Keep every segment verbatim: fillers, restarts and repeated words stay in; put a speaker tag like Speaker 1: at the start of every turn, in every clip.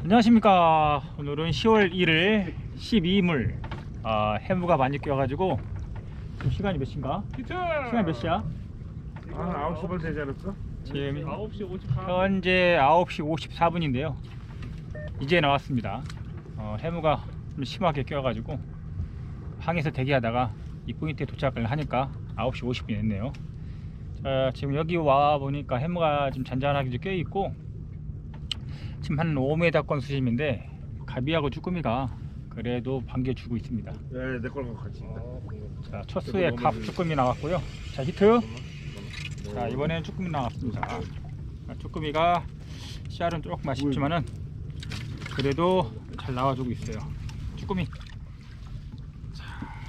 Speaker 1: 안녕하십니까. 오늘은 시월 일일 십이물 아, 해무가 많이 껴가지고 지금 시간이 몇 시인가? 시간 몇 시야?
Speaker 2: 아, 아홉 시 반 되지 않았어?
Speaker 1: 지금
Speaker 3: 아홉 시 오십사 분.
Speaker 1: 현재 아홉 시 오십사 분인데요 이제 나왔습니다. 어, 해무가 좀 심하게 껴가지고 항에서 대기하다가 이 포인트에 도착을 하니까 아홉 시 오십 분 됐네요. 자, 지금 여기 와 보니까 해무가 좀 잔잔하게 껴 있고 지금 한 오 미터권 수심인데 가비하고 쭈꾸미가 그래도 반겨주고 있습니다.
Speaker 2: 네, 내 거랑 같이.
Speaker 1: 자, 첫 수에 갑 쭈꾸미 나왔고요. 자, 히트. 자, 이번에는 쭈꾸미 나왔습니다. 자, 쭈꾸미가 씨알은 조금 아쉽지만은 그래도 잘 나와주고 있어요. 쭈꾸미. 자,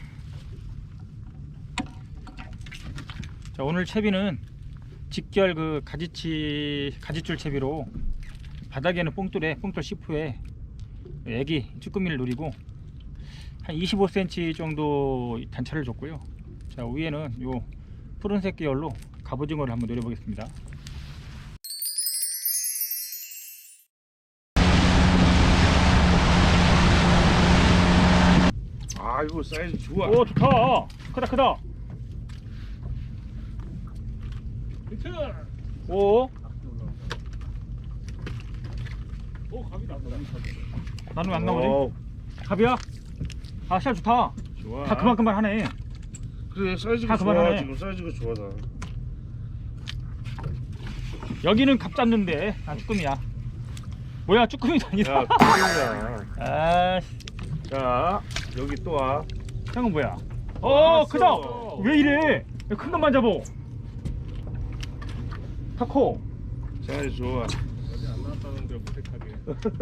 Speaker 1: 자 오늘 채비는 직결 그 가지치 가지줄 채비로 바닥에는 뽕돌에 뽕돌 시프에 애기 쭈꾸미를 노리고 한 이십오 센티미터 정도 단차를 줬고요. 자, 위에는 요 푸른색 계열로 갑오징어를 한번 노려보겠습니다.
Speaker 2: 아, 이거 사이즈 좋아.
Speaker 1: 오, 좋다. 크다 크다.
Speaker 3: 히트!
Speaker 1: 오,
Speaker 3: 오, 갑이 나보다.
Speaker 1: 나는 왜 안 나오지?
Speaker 2: 어,
Speaker 1: 갑이야? 아, 씨알 좋다.
Speaker 2: 좋아.
Speaker 1: 다 그만 그만 하네.
Speaker 2: 그래, 사이즈가
Speaker 1: 다
Speaker 2: 좋아.
Speaker 1: 그만하네.
Speaker 2: 지금 사이즈가 좋아 다.
Speaker 1: 여기는 갑 잡는데 아, 쭈꾸미야. 뭐야, 쭈꾸미도 아니다.
Speaker 2: 야, 쭈꾸미야.
Speaker 1: 아,
Speaker 2: 자, 여기 또 와.
Speaker 1: 형은 뭐야? 어,
Speaker 2: 왔어.
Speaker 1: 크다. 왜 이래? 큰 것만 잡어. 타코.
Speaker 2: 사이즈 좋아.
Speaker 3: 어제 안 나왔다는 걸 무색하게.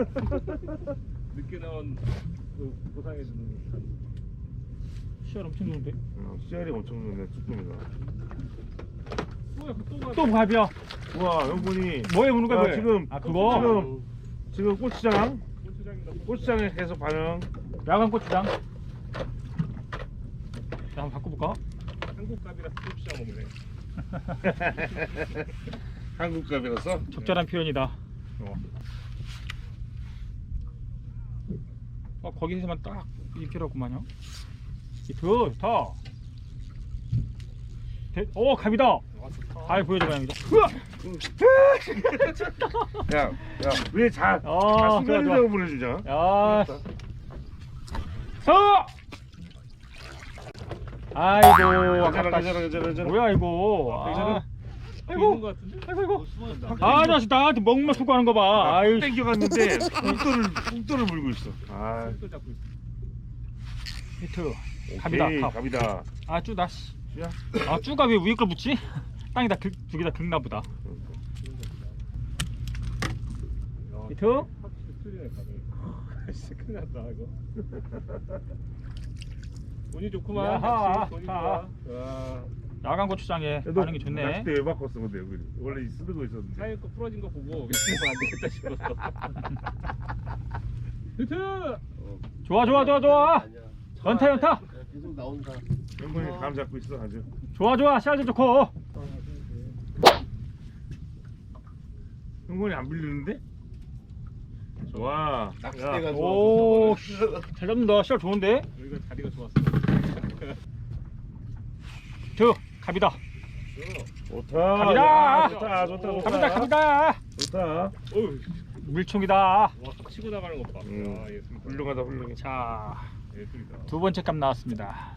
Speaker 3: 늦게 나온 그 보상해주는 듯한.
Speaker 1: 씨알 엄청 좋은데?
Speaker 2: 어, 씨알이 엄청 좋네, 쭈꾸미가.
Speaker 3: 또 약간 또 가.
Speaker 1: 또 갑이야.
Speaker 2: 우와, 영분이.
Speaker 1: 뭐해 보는 거야?
Speaker 2: 아,
Speaker 1: 뭐해?
Speaker 2: 지금,
Speaker 1: 아, 그거
Speaker 2: 지금, 지금 고추장.
Speaker 3: 고추장이다.
Speaker 2: 고추장에 계속 반응.
Speaker 1: 야간 고추장. 자, 한번 바꿔볼까?
Speaker 3: 한국 갑이라서 고추장 먹네.
Speaker 2: 한국 값이라서.
Speaker 1: 적절한 표현이다. 어, 어 거기서만 딱 이렇게라고만요. 이트 좋다. 대, 오, 갑이다.
Speaker 3: 아, 좋다.
Speaker 1: 잘 보여줘봐 형이다. 으아!
Speaker 2: 야, 야, 왜 자,
Speaker 1: 아,
Speaker 2: 자 순간이라고
Speaker 1: 좋아, 좋아.
Speaker 2: 보내주냐?
Speaker 1: 야, 서! 아이고,
Speaker 2: 괜찮아,
Speaker 1: 아깝다.
Speaker 2: 괜찮아, 괜찮아, 괜찮아.
Speaker 1: 뭐야 이거?
Speaker 2: 괜찮아?
Speaker 1: 아,
Speaker 3: 있는
Speaker 1: 아이고,
Speaker 3: 거 같은데?
Speaker 1: 아이고, 아이고.
Speaker 3: 숨어있다.
Speaker 1: 아, 나 진짜 나한테 먹만 쏘고 하는 거 봐. 아유,
Speaker 2: 땡겨갔는데 뽕돌을 뽕돌을 물고 있어. 아,
Speaker 3: 또 잡고 있어.
Speaker 1: 히트. 갑이다.
Speaker 2: 오케이,
Speaker 1: 갑.
Speaker 2: 갑이다.
Speaker 1: 아, 쭈다 씨.
Speaker 2: 야,
Speaker 1: 아, 쭈가 왜 위에 걸 붙지? 땅에다 두 개 다 긁나 보다. 히트.
Speaker 3: 확실히 틀리네 갑이. 진짜 큰일 났다 이거. 운이 좋구만.
Speaker 1: 야하,
Speaker 3: 역시 운이
Speaker 1: 하.
Speaker 3: 좋아. 와.
Speaker 1: 야간 고추장에
Speaker 2: 너
Speaker 1: 반응이 좋네.
Speaker 2: 낚싯대 왜 바꿨어, 근데 여기 원래 쓰는 거 있었는데.
Speaker 3: 사이 거 부러진 거 보고 이거 안 되겠다 싶었어. 히트!
Speaker 1: 좋아, 좋아, 좋아, 좋아. 연타, 연타.
Speaker 4: 계속 나온다.
Speaker 2: 영건이 감 잡고 있어 아주.
Speaker 1: 좋아, 좋아. 씨알도 좋고.
Speaker 2: 영건이 안 빌리는데? 좋아.
Speaker 4: 낚싯대가
Speaker 2: 야,
Speaker 1: 오, 씨, 잘 잡는다. 씨알 좋은데?
Speaker 3: 여기가 다리가 좋았어.
Speaker 1: 저 갑이다.
Speaker 2: 좋다.
Speaker 1: 갑이다.
Speaker 2: 야, 좋다, 좋다, 좋다.
Speaker 1: 갑이다, 갑이다.
Speaker 2: 좋다.
Speaker 3: 어우,
Speaker 1: 물총이다.
Speaker 3: 와 치고 나가는 것 봐.
Speaker 2: 음,
Speaker 3: 아, 예술이다.
Speaker 2: 훌륭하다, 훌륭해.
Speaker 1: 자,
Speaker 3: 예술이다.
Speaker 1: 두 번째 값 나왔습니다.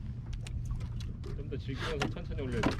Speaker 3: 좀 더 즐기면서 천천히 올려야 돼.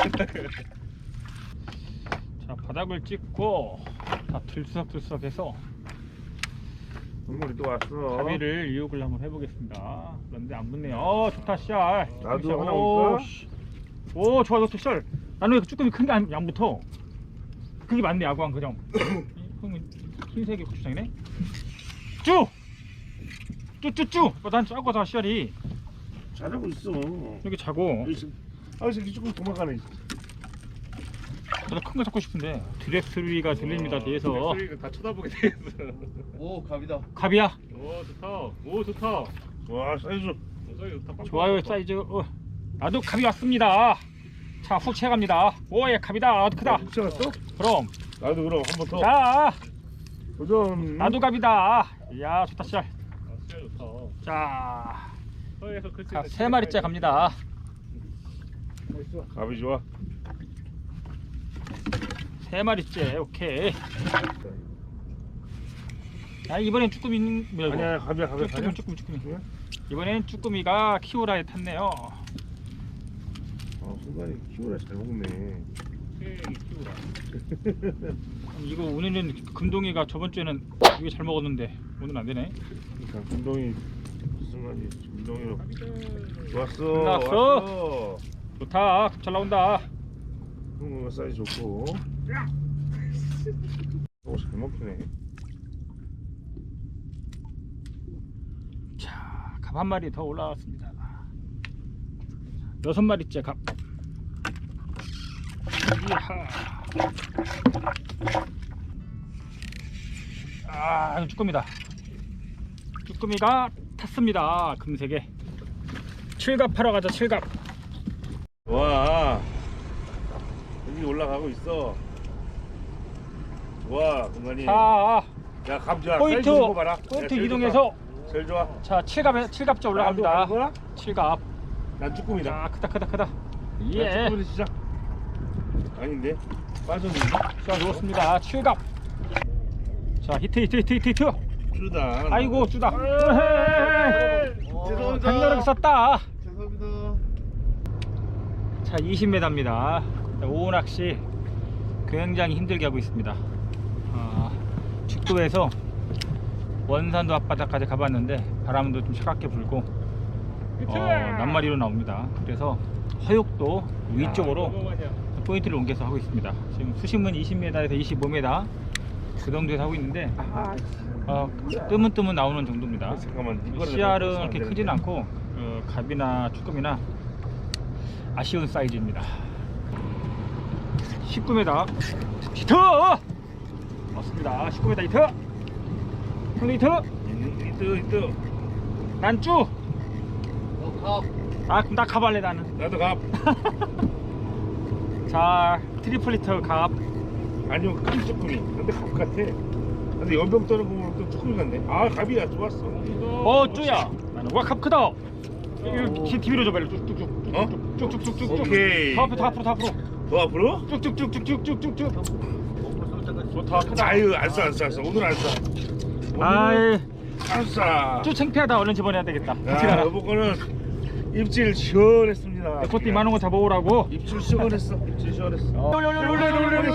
Speaker 1: 자, 바닥을 찍고 다 들썩들썩해서
Speaker 2: 영건이 또 왔어.
Speaker 1: 가비를 유혹을 한번 해보겠습니다. 그런데 안 붙네요. 어, 좋다, 씨알.
Speaker 2: 나도
Speaker 1: 씨알.
Speaker 2: 하나
Speaker 1: 오,
Speaker 2: 볼까?
Speaker 1: 씨. 오, 좋아, 좋다, 씨알. 나는 왜 쭈꾸미 큰 게 안 붙어? 그게 맞네, 야구한 그정. 형은 흰색의 고추장이네. 쭈! 쭈쭈쭈! 어, 난 작아서 씨알이
Speaker 2: 잘하고 있어.
Speaker 1: 여기 자고.
Speaker 2: 아, 이 새끼 조금 도망가네.
Speaker 1: 저도 큰 거 잡고 싶은데 드레스리가 들립니다 뒤에서.
Speaker 3: 소리가 다 쳐다보게 돼 있어.
Speaker 4: 오, 갑이다.
Speaker 1: 갑이야.
Speaker 3: 오 좋다. 오 좋다.
Speaker 2: 와, 사이즈.
Speaker 3: 오, 사이즈 좋다. 빵빵
Speaker 1: 좋아요,
Speaker 3: 좋다.
Speaker 1: 사이즈. 어. 나도 갑이 왔습니다. 자, 훅 채갑니다. 오예, 갑이다. 아주 크다.
Speaker 2: 훅 채갔어?
Speaker 1: 그럼
Speaker 2: 나도 그럼 한 번 더.
Speaker 1: 자,
Speaker 2: 도전.
Speaker 1: 나도 갑이다. 이야 좋다 씨알.
Speaker 3: 아, 진짜 좋다.
Speaker 1: 자,
Speaker 3: 서해에서 그치.
Speaker 1: 자, 세 마리째 갑니다.
Speaker 2: 갑이 좋아.
Speaker 1: 세 마리째. 오케이. 아 이번엔 쭈꾸미 있는 뭐야 이거?
Speaker 2: 아니야, 갑이야, 갑이야.
Speaker 1: 쭈꾸미 쭈꾸미 쭈꾸미.
Speaker 2: 뭐야?
Speaker 1: 이번엔 쭈꾸미가 키오라에 탔네요.
Speaker 2: 아, 순간이 키우라 잘 먹네.
Speaker 3: 새이 키우라.
Speaker 1: 이거 오늘은 금동이가 저번 주에는 이게 잘 먹었는데 오늘 안 되네.
Speaker 2: 그러니까 금동이 순간이 금동이로 좋았어.
Speaker 1: 끝났어.
Speaker 2: 왔어.
Speaker 1: 좋다. 잘 나온다.
Speaker 2: 응, 사이즈 좋고. 오, 잘 먹히네.
Speaker 1: 자, 갑 한 마리 더 올라왔습니다. 여섯 마리째 갑. 이하. 아, 이거 쭈꾸미다. 쭈꾸미가 탔습니다. 금색에. 칠갑 하러 가자. 칠갑.
Speaker 2: 와, 여기 올라가고 있어. 와, 공간이.
Speaker 1: 자,
Speaker 2: 야, 감자.
Speaker 1: 포인트
Speaker 2: 사이즈 거 봐라.
Speaker 1: 포인트
Speaker 2: 야, 제일
Speaker 1: 이동해서
Speaker 2: 좋다. 제일 좋아.
Speaker 1: 자, 칠갑에 칠갑째 올라갑니다.
Speaker 2: 나도 가는 거야?
Speaker 1: 칠갑.
Speaker 2: 난 쭈꾸미다.
Speaker 1: 자, 크다 크다 크다.
Speaker 2: 난
Speaker 1: 예.
Speaker 2: 쭈꾸미 시작. 아닌데? 빠졌는데?
Speaker 1: 자, 좋습니다. 칠갑. 자, 히트 히트 히트 히트 히트.
Speaker 2: 쭈다.
Speaker 1: 아이고, 쭈다.
Speaker 4: 죄송합니다.
Speaker 1: 강렬하게 썼다.
Speaker 4: 죄송합니다.
Speaker 1: 자, 이십 미터입니다. 오후 낚시 굉장히 힘들게 하고 있습니다. 아, 죽도에서 원산도 앞바다까지 가봤는데 바람도 좀 차갑게 불고 어, 낱마리로 나옵니다. 그래서 허육도 위쪽으로 포인트를 옮겨서 하고 있습니다. 지금 수심은 이십 미터에서 이십오 미터 그 정도에서 하고 있는데 어, 뜨문뜨문 나오는 정도입니다.
Speaker 2: 잠깐만. 이거를
Speaker 1: 씨알은
Speaker 2: 넣어서 안
Speaker 1: 그렇게
Speaker 2: 되는데.
Speaker 1: 크진 않고 어, 갑이나 쭈꾸미나 아쉬운 사이즈입니다. 십구 미터 히트! 맞습니다. 십구 미터 히트! 형도 히트!
Speaker 2: 음, 이뜨 이뜨.
Speaker 1: 난쭈!
Speaker 4: 어,
Speaker 1: 아 그럼 나 가발래 나는.
Speaker 2: 나도 갑.
Speaker 1: 자 트리플 히트 갑.
Speaker 2: 아니요, 큰 쭈꾸미. 근데 갑 같아. 근데 연병 떠는 거 보면 또 쭈꾸미 같네. 아, 갑이야. 좋았어.
Speaker 1: 어 쭈야. 나는 와갑 크다. 이거 티비로 줘봐. 쭉쭉쭉
Speaker 2: 어?
Speaker 1: 쭉쭉쭉쭉쭉.
Speaker 2: 오케이.
Speaker 1: 더 앞으로 더 앞으로 더 앞으로.
Speaker 2: 더 앞으로?
Speaker 1: 쭉쭉쭉쭉쭉쭉쭉. 좋다 크다.
Speaker 2: 아유, 안 써, 안 써, 안 써. 오늘 안 써. 오늘
Speaker 1: 아이
Speaker 2: 안 써.
Speaker 1: 쭈 창피하다. 얼른 집어내야 되겠다. 같이
Speaker 2: 야,
Speaker 1: 가라.
Speaker 2: 여보 거는 입질 시원했습니다.
Speaker 1: 그것도 이만한 거 잡아오라고.
Speaker 2: 입질 시원했어. 입질 시원했어.
Speaker 1: 올려 올려 올려 올려 올려 올려 올려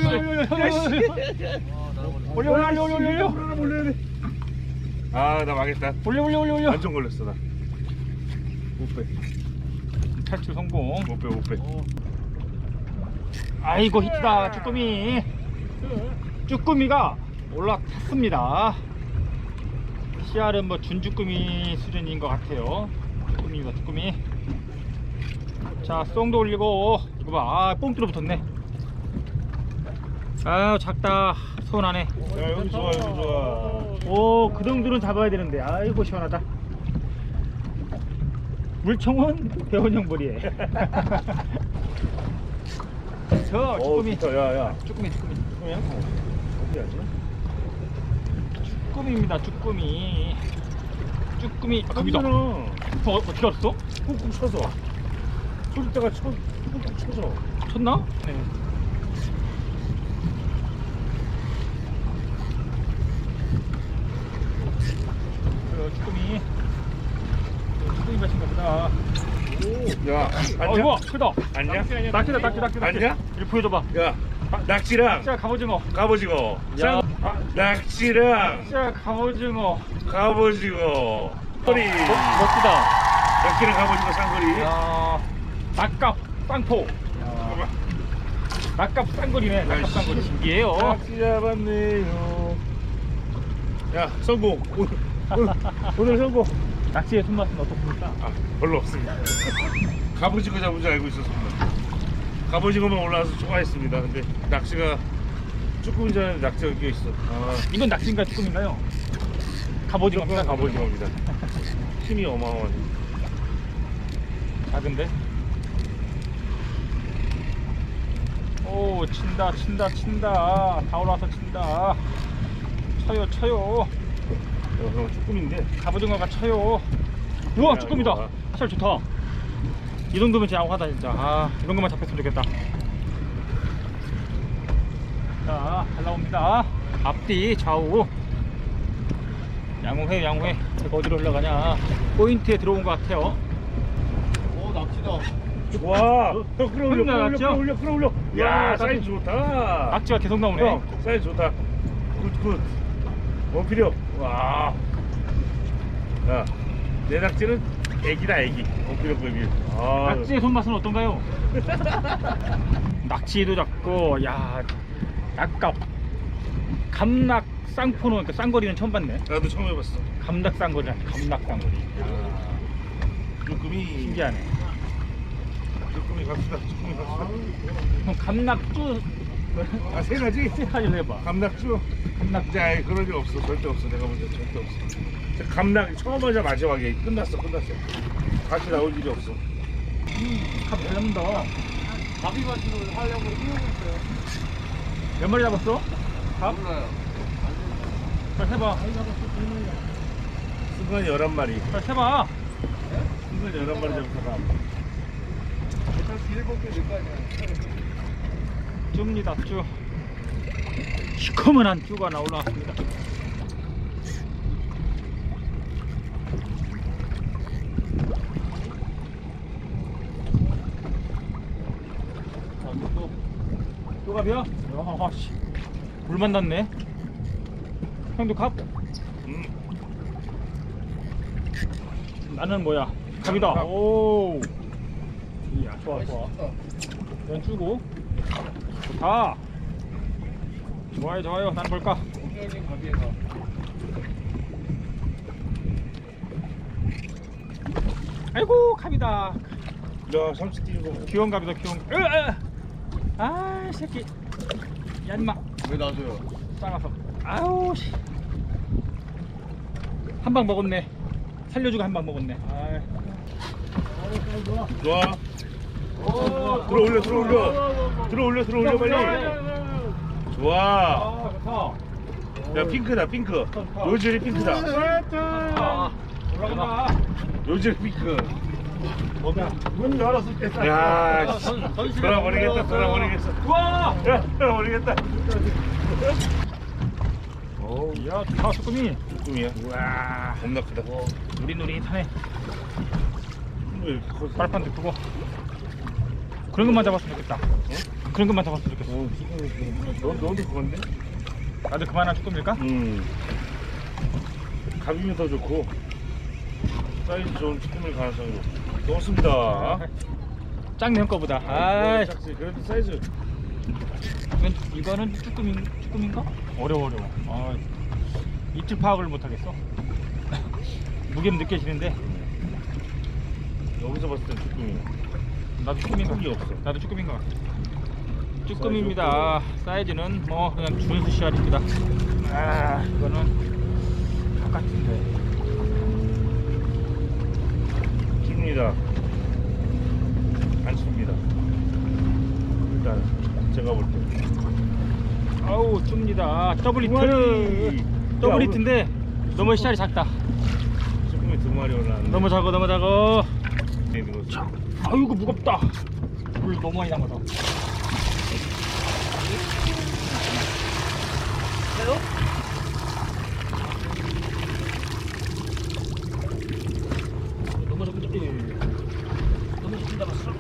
Speaker 1: 올려 올려 올려 올려
Speaker 2: 아, 나 망했다.
Speaker 1: 올려 올려 올려 올려.
Speaker 2: 완전 걸렸어, 나. 못 빼.
Speaker 1: 탈출 성공.
Speaker 2: 못 빼, 못 빼.
Speaker 1: 아이고 히트다. 쭈꾸미. 쭈꾸미가 올라탔습니다. 씨알은 뭐 준쭈꾸미 수준인 것 같아요. 쭈꾸미입니다. 쭈꾸미. 자 쏭도 올리고 이거 봐. 아, 뽕 뚫어붙었네. 아유 작다. 서운하네.
Speaker 2: 야, 여기 좋아, 여기 좋아.
Speaker 1: 오, 그 정도는 잡아야 되는데. 아이고 시원하다. 물총은 배원형 머리에. 저 쭈꾸미.
Speaker 2: 좋다. 야, 야.
Speaker 1: 쭈꾸미 쭈꾸미.
Speaker 2: 쭈꾸미야? 어디 하지?
Speaker 1: 쭈꾸미입니다. 쭈꾸미. 쭈꾸미. 아, 갑이다.
Speaker 2: 갑이잖아.
Speaker 1: 어, 어떻게 알았어?
Speaker 2: 꾹꾹 쳐서. 쏠 때가 쳐, 꾹꾹 쳐서.
Speaker 1: 쳤나? 네. 그래, 쭈꾸미. 쭈꾸미 맛인가 보다.
Speaker 2: 야,
Speaker 1: 아,
Speaker 2: 안냐?
Speaker 1: 이거 크다.
Speaker 2: 안냐?
Speaker 1: 낙지다, 낙지, 낙지, 낙지.
Speaker 2: 안냐?
Speaker 1: 이거 보여줘봐.
Speaker 2: 야, 낙지랑
Speaker 1: 자, 갑오징어.
Speaker 2: 갑오징어.
Speaker 1: 야,
Speaker 2: 낙지랑
Speaker 1: 자, 갑오징어.
Speaker 2: 갑오징어. 쌍거리.
Speaker 1: 멋, 멋지다.
Speaker 2: 낙지랑 갑오징어 쌍거리.
Speaker 1: 야, 낙갑 쌍포.
Speaker 2: 봐봐.
Speaker 1: 낙갑 쌍거리네. 낙갑
Speaker 2: 아이씨.
Speaker 1: 쌍거리 신기해요.
Speaker 2: 낙지 잡았네요. 야, 성공. 오늘, 오늘, 오늘 성공.
Speaker 1: 낙지의 손맛은 어떻습니까?
Speaker 2: 아, 별로 없습니다. 갑오징어 잡은 줄 알고 있었습니다. 갑오징어만 올라와서 좋아했습니다. 근데 낙지가 쭈꾸미 전에 낙지가 껴 있어. 아,
Speaker 1: 이건 낙지인가 쭈꾸미인가요? 갑오징어입니다.
Speaker 2: 갑오징어입니다. 힘이 어마어마해.
Speaker 1: 작은데? 오, 친다, 친다, 친다. 다 올라와서 친다. 쳐요 쳐요.
Speaker 2: 어, 형 쭈꾸미인데.
Speaker 1: 갑오징어가 쳐요. 우와
Speaker 2: 야,
Speaker 1: 쭈꾸미다.
Speaker 2: 이거 봐.
Speaker 1: 살 좋다. 이 정도면 진짜 양호하다 진짜. 아 이런 것만 잡혔으면 좋겠다. 자 잘 나옵니다. 앞뒤 좌우. 양호해 양호해. 이거 어디로 올라가냐. 포인트에 들어온 것 같아요.
Speaker 4: 오 납치다.
Speaker 2: 좋아. 형 끌어올려, 끌어올려,
Speaker 1: 나갔죠?
Speaker 2: 끌어올려, 끌어올려. 야,
Speaker 1: 야,
Speaker 2: 사이즈 좋다.
Speaker 1: 낙지가 계속 나오네.
Speaker 2: 형, 사이즈 좋다. 굿, 굿. 원필요. 와. 야, 내 낙지는 애기다, 애기. 원필요급이. 아,
Speaker 1: 낙지의 손맛은 어떤가요? 낙지도 잡고, 야, 낙갑, 감낙 쌍포노, 그러니까 쌍거리는 처음 봤네.
Speaker 2: 나도 처음 해봤어.
Speaker 1: 감낙 쌍거리라, 감낙 쌍거리.
Speaker 2: 쭈꾸미.
Speaker 1: 신기하네.
Speaker 2: 쭈꾸미 갑시다. 쭈꾸미 갑시다.
Speaker 1: 형 감낙쭈
Speaker 2: 아, 세 가지?
Speaker 1: 세 가지를 해봐.
Speaker 2: 감낙주?
Speaker 1: 감낙.
Speaker 2: 이제 아예 그런 일 없어. 절대 없어. 내가 볼 때 절대 없어. 저 감낙 처음 하자 마지막에 끝났어. 끝났어. 다시 나올 일이 없어.
Speaker 1: 갑잘 잡는다.
Speaker 4: 가비바지를 하려고 뛰어고 있어요.
Speaker 1: 몇 마리 잡았어? 갑?
Speaker 4: 몰라요.
Speaker 1: 잘 세봐.
Speaker 2: 순간 열한 마리.
Speaker 1: 잘 세봐.
Speaker 2: 순간 열한 마리 잡다가
Speaker 4: 일단 일곱 개 넣을 거 아니야.
Speaker 1: 쭈입니다 쭈. 시커먼한 쭈가 나 올라왔습니다. 자, 이거 또 쭈갑이야? 야, 씨. 물 만났네. 형도 갑?
Speaker 2: 음.
Speaker 1: 나는 뭐야? 갑이다.
Speaker 2: 갑.
Speaker 1: 오. 이야, 좋아, 좋아. 연 주고. 좋다. 좋아요, 좋아요. 난 볼까?
Speaker 4: 공격적인 가비에서.
Speaker 1: 아이고, 갑이다.
Speaker 2: 야, 삼십 뛰는 거.
Speaker 1: 귀여운 갑이다, 귀여운. 으, 으. 아, 이 새끼. 야, 임마.
Speaker 4: 왜 놔줘요?
Speaker 1: 작아서. 아우, 씨. 한 방 먹었네. 살려주고 한 방 먹었네. 아.
Speaker 2: 좋아. 들어올려, 들어올려. 들어올려, 들어올려, 빨리. 좋아.
Speaker 1: 아, 좋다.
Speaker 2: 야, 핑크다, 핑크. 요즐이 핑크다.
Speaker 1: 아, 올라간다.
Speaker 2: 요즐 핑크.
Speaker 4: 문 열었을 때 딱.
Speaker 2: 야, 씨. 돌아버리겠다, 돌아버리겠어.
Speaker 1: 우와!
Speaker 2: 야, 돌아버리겠다.
Speaker 1: 어우, 야, 좋다, 소금이.
Speaker 2: 쭈꾸미야.
Speaker 1: 우와.
Speaker 2: 겁나 크다.
Speaker 1: 누릿누릿하네.
Speaker 2: 왜 이렇게 커?
Speaker 1: 발판도 크고. 그런 것만 잡았으면 좋겠다. 그런 것만 잡았으면 좋겠어.
Speaker 2: 어, 너, 너도 그건데?
Speaker 1: 나도 그만한 쭈꾸미일까?
Speaker 2: 음. 가비면 더 좋고 사이즈 좋은 쭈꾸미를 가능성이 높습니다.
Speaker 1: 작네 형 거보다.
Speaker 2: 아,
Speaker 1: 아,
Speaker 2: 작지. 그래도 사이즈
Speaker 1: 이건 이거는 쭈꾸미 쭈꾸미인가? 어려워 어려워. 아, 입질 파악을 못 하겠어. 무게는 느껴지는데
Speaker 2: 여기서 봤을 땐 쭈꾸미.
Speaker 1: 나도 쭈꾸미인 것
Speaker 2: 크기
Speaker 1: 같아.
Speaker 2: 없어.
Speaker 1: 나도 쭈꾸미인 것 같아. 쭈꾸미입니다. 사이즈는 뭐 그냥 준수 씨알입니다. 아, 이거는 똑같은데.
Speaker 2: 줍니다. 안 줍니다. 일단 제가 볼 때.
Speaker 1: 아우 줍니다. 더블 히트.
Speaker 2: 마리.
Speaker 1: 더블
Speaker 2: 야,
Speaker 1: 히트인데 너무 씨알이 작다.
Speaker 2: 쭈꾸미 두 마리 올라왔는데.
Speaker 1: 너무 작아 너무 작아.
Speaker 2: 있는 거지.
Speaker 1: 아이고 무겁다. 물 너무 많이 남아서. 너무 작은 예. 너무 작은 잡았어.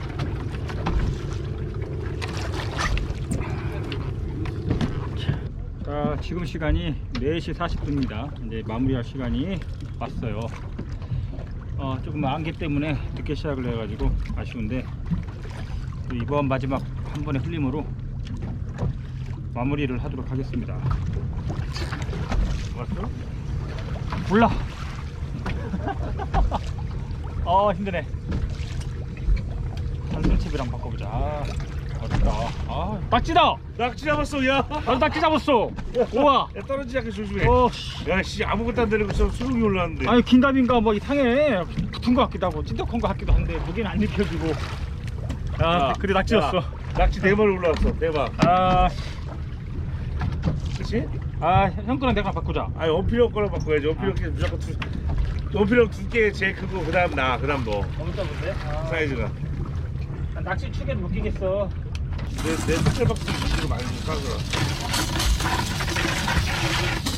Speaker 1: 자, 지금 시간이 네 시 사십 분입니다. 이제 마무리할 시간이 왔어요. 어, 조금 안개 때문에 늦게 시작을 해가지고 아쉬운데 또 이번 마지막 한 번의 흘림으로 마무리를 하도록 하겠습니다.
Speaker 2: 왔어?
Speaker 1: 몰라. 어 힘드네. 단순칩이랑 바꿔보자. 아, 어렵다. 아, 낙지다.
Speaker 2: 낙지 잡았어, 야.
Speaker 1: 나도 낙지 잡았어. 우와.
Speaker 2: 야, 떨어지지 않게 조심해.
Speaker 1: 어, 씨.
Speaker 2: 야, 씨, 아무것도 안 내리고 있어. 수능이 올라왔는데.
Speaker 1: 아니 긴답인가 뭐 이상해. 붙은 것 같기도 하고 찐득한 것 같기도 한데 무게는 안 느껴지고. 아,
Speaker 2: 야,
Speaker 1: 그래 낙지였어.
Speaker 2: 야, 낙지 네 마리 올라왔어. 대박.
Speaker 1: 아,
Speaker 2: 그치?
Speaker 1: 아, 형 거랑 내가 바꾸자.
Speaker 2: 아니 원필형 거랑 바꿔야지. 원필형 게 무조건 두 원필형 두 개 제일 크고 그다음 나 그다음 너
Speaker 1: 너무 작은데? 아,
Speaker 2: 사이즈가.
Speaker 1: 낚시 축에도 못 끼겠어.
Speaker 2: 내내 숫자박스 이거 말고 까거라.